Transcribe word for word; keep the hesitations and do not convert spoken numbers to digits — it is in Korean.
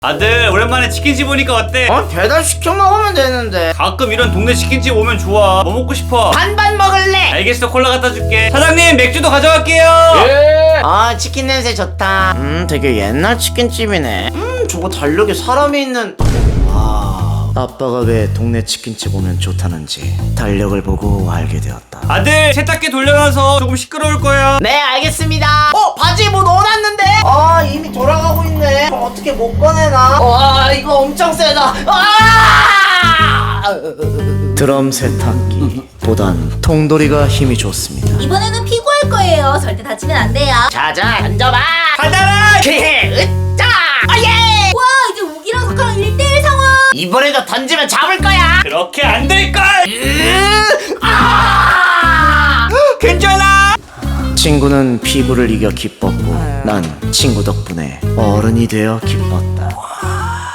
아들 오랜만에 치킨집 오니까 어때? 어? 배달 시켜 먹으면 되는데. 가끔 이런 동네 치킨집 오면 좋아. 뭐 먹고 싶어? 반반 먹을래. 알겠어, 콜라 갖다 줄게. 사장님 맥주도 가져갈게요. 예. 아, 치킨 냄새 좋다. 음, 되게 옛날 치킨집이네. 음, 저거 달력에 사람이 있는. 와, 아빠가 왜 동네 치킨집 오면 좋다는지 달력을 보고 알게 되었다. 아들 세탁기 돌려놔서 조금 시끄러울 거야. 네, 알겠습니다. 어, 바지에 뭐 넣어놨는데? 아, 이미 돌아가고 있네. 어, 어떻게 못 꺼내나? 와, 이거 엄청 세다. 아! 드럼 세탁기 보단 통돌이가 힘이 좋습니다. 이번에는 피고할 거예요. 절대 다치면 안 돼요. 자자, 앉아봐. 받아라. 으짜! 아예! 와, 이제 우기랑 석하랑 일 대일 상황. 이번에도 던지면 잡을 거야. 그렇게 안 될 걸. 아! 괜찮아. 친구는 피부를 이겨 기뻤고 난 친구 덕분에 어른이 되어 기뻤다.